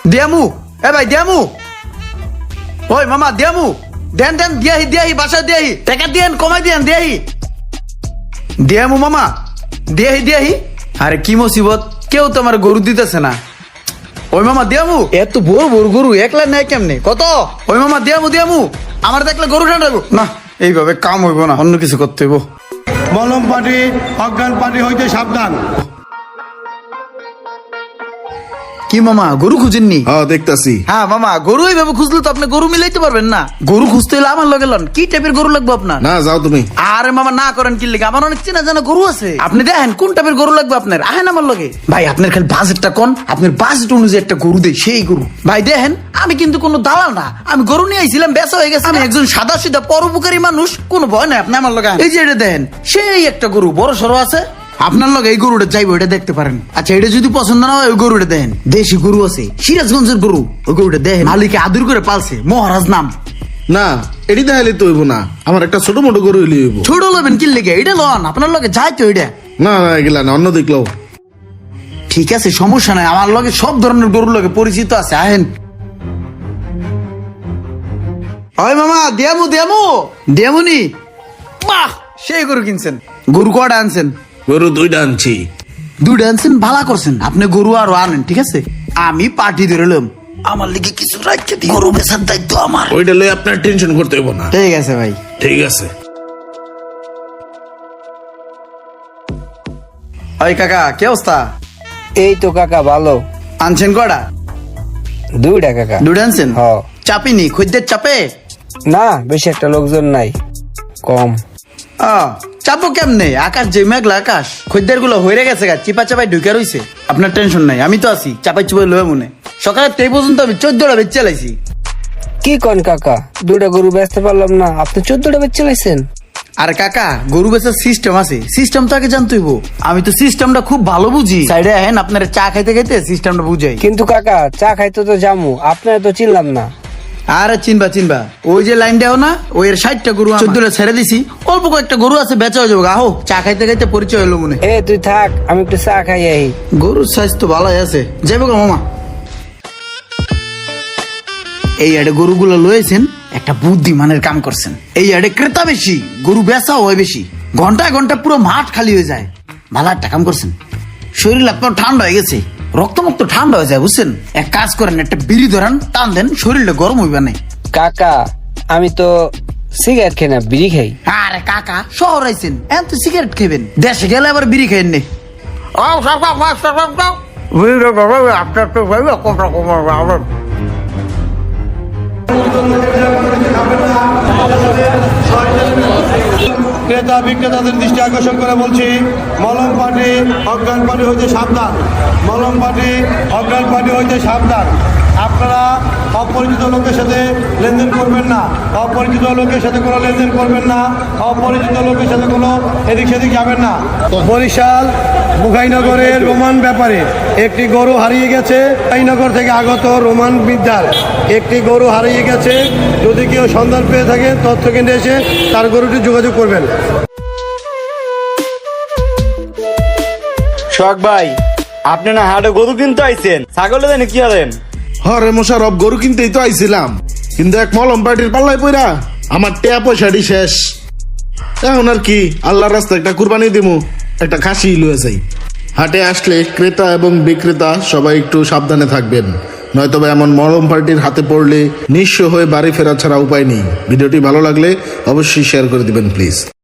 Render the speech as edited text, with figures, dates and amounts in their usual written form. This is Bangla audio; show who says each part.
Speaker 1: দিয়ামু, এ ভাই দিয়ামু, ওই মামা দিয়ামু, দেন দেন দিয়াহি বাসা দিয়াহি, টাকা দিয়েন কমাই দিয়েন দিয়াহি, দিয়ামু মামা দিয়াহি। আরে কি মুসিবত, কেউ তো আমার গরু দিতেছে না। ওই মামা দিয়ামু, এত বড় বড় গরু একলা নেয় কেমনে, কত? ওই মামা দিয়ামু, আমার দেখলে গরু ঠান্ডাবো না, এইভাবে কাম হইব না, অন্য কিছু করতে হইব।
Speaker 2: মলম পাটি অজ্ঞান পাটি হইতে সাবধান।
Speaker 1: কি মামা গরু খুঁজেননি?
Speaker 3: হ্যাঁ দেখতাছি।
Speaker 1: হ্যাঁ মামা, গরু এইভাবে খুঁজলে তো আপনি গরু মিলাইতে পারবেন না। গরু খুঁজতে হলে আমার লগে লন। কি টাইপের গরু লাগবে আপনার?
Speaker 3: না যাও তুমি।
Speaker 1: আরে মামা না করেন কি লিখে, আমার অনেক চেনা জানা গরু আছে, আপনি দেখেন কোন টাইপের গরু লাগবে আপনার, আহেন আমার লগে। ভাই আপনার খালি বাজেটটা কোন, আপনার বাজেট অনুযায়ী একটা গরু দেয়, সেই গরু। ভাই দেখেন আমি কিন্তু কোনো দালাল না, আমি গরু নিয়ে আইছিলাম, বেচা হয়ে গেছে। আমি একজন সাদা সিধা পরোপকারী মানুষ, কোনো ভয় নাই। আপনি আমার লগে আহেন। এই যে এটা দেখেন, সেই একটা গরু বড় সড়ো আছে, আপনার লগে এই গরুটা চাইবো, এটা দেখতে পারেন। আচ্ছা এটা যদি পছন্দ না হয় ওই গরুটা দেখেন, দেশি গরু আছে, সিরাজগঞ্জের গরু, ওই গরুটা দেখেন, মালিকে আদর করে পালছে, মহারাজ নাম।
Speaker 3: না এটি দেখাইলে তো হইব না, আমার একটা ছোট মোটো গরু হইলে হইব।
Speaker 1: ছোট লবেন কি লেগে, এটা লন, আপনার লগে যাই তো এটা।
Speaker 3: না না এগুলা না, অন্য দেখলো।
Speaker 1: ঠিক আছে সমস্যা নাই, আমার লগে সব ধরনের গরুর লগে পরিচিত আছে, আহেন। ওই মামা দিয়ামুনি, বাহ সেই গরু কিনছেন। গরু কটা আনছেন?
Speaker 3: গরু দুইটা আনছি।
Speaker 1: দুইটা আনছেন, ভালো করছেন। আপনি গরু আরো আনেন, ঠিক আছে? আমি পার্টি ধরলাম, আমার লিগে কিছু রাখতে দিই, গরু বেচার দায়িত্ব আমার।
Speaker 3: ওইটা লই আপনার টেনশন করতে হইব না।
Speaker 1: ঠিক আছে ভাই।
Speaker 3: ঠিক আছে।
Speaker 1: ওই কাকা কি অবস্থা?
Speaker 4: এই তো কাকা ভালো।
Speaker 1: আনছেন কটা?
Speaker 4: দুইটা কাকা।
Speaker 1: দুইটা আনছেন?
Speaker 4: হ।
Speaker 1: চাপিনি, খদ্দের চাপে?
Speaker 4: না বেশি একটা লোকজন নাই, কম।
Speaker 1: চাপো কেমনে, আকাশ যে মেঘলা আকাশ, খদ্দের গুলো হয়ে গেছে গা, চিপা চাপাই ঢুকে রইছে। আপনার টেনশন নাই, আমি তো আছি, চাপাই চুপাই লয়ে মনে। সকালে তো এই পর্যন্ত আমি 14টা বেচ চালাইছি।
Speaker 4: কি কন কাকা, দুইটা গরু বেচতে পারলাম না, আপনি 14টা বেচে চালাইছেন?
Speaker 1: আর কাকা গরু বেচার সিস্টেম আছে, সিস্টেম তো আগে জানতে হইব। আমি তো সিস্টেমটা খুব ভালো বুঝি, সাইডে আহেন, আপনার চা খাইতে খাইতে সিস্টেমটা বুঝাই।
Speaker 4: কিন্তু কাকা চা খাইতে তো জামু, আপনারা তো চিনলাম না।
Speaker 1: আরে চিনবা, ওই যে লাইন দেও না, ওই এর 60টা গরু 14টা ছেড়ে দিছি, অল্প কয়েকটা গরু আছে, বেচা হয়ে যাবো। আহো চা খাইতে খাইতে পরিচয় হলো মনে।
Speaker 4: এ তুই থাক, আমি একটু চা খাই আহি।
Speaker 1: গরুর সাইজ তো ভালোই আছে, যাইব গো মামা। এই আড়ে গরুগুলো লয়েছেন, একটা বুদ্ধিমানের কাম করছেন। এই আড়ে ক্রেতা বেশি, গরু বেচা হয় বেশি, ঘন্টায় ঘন্টা পুরো মাঠ খালি হয়ে যায়। ভালো একটা কাম করছেন, শরীর আপনার ঠান্ডা হয়ে গেছে, রক্তমুক্ত ঠান্ডা হয়ে যায়, বুঝছেন? এক কাজ করেন, একটা বিড়ি ধরান, টান দেন, শরীরটা গরম হইবে না।
Speaker 4: কাকা আমি তো সিগারেট খাই না, বিড়ি খাই।
Speaker 1: আরে কাকা শহর আইছেন, এখন তো সিগারেট খাইবেন, দেশে গেলে আবার বিড়ি খাইন নে।
Speaker 2: ক্রেতা বিক্রেতাদের দৃষ্টি আকর্ষণ করে বলছি, মলম পাটি অজ্ঞান পাটি হইতে সাবধান। মলম পাটি অজ্ঞান পাটি হইতে সাবধান। আপনারা অপরিচিত লোকের সাথে লেনদেন করবেন না, অপরিচিত লোকের সাথে কোনো লেনদেন করবেন না, অপরিচিত লোকের সাথে কোনো এদিক সেদিক যাবেন না। বরিশাল মুখাইনগরের রোমান ব্যাপারে একটি গরু হারিয়ে গেছে। মুখাইনগর থেকে আগত রোমান বিদ্যার একটি গরু হারিয়ে গেছে। যদি কেউ সন্ধান পেয়ে থাকে তথ্য কেন্দ্রে এসে তার গরুটি যোগাযোগ করবেন।
Speaker 5: শখ ভাই, আপনি না হাটে গরু কিনতে আইছেন, ছাগলে দেন কি আছেন?
Speaker 3: হরে মোশারফ, গরু কিনতেই তো আইছিলাম, কিন্তু এক মলম পার্টির পাল্লায় পইরা আমার টেয়া পয়সাটি শেষ। এখন আর কি, আল্লাহর রাস্তায় একটা কুরবানি দিমু, একটা খাসি লয়ে যাই। হাটে আসলে ক্রেতা এবং বিক্রেতা সবাই একটু সাবধানে থাকবেন, নয়তো এমন মলম পার্টির হাতে পড়লে নিঃস্ব হয়ে বাড়ি ফেরা ছাড়া উপায় নেই। ভিডিওটি ভালো লাগলে অবশ্যই শেয়ার করে দিবেন প্লিজ।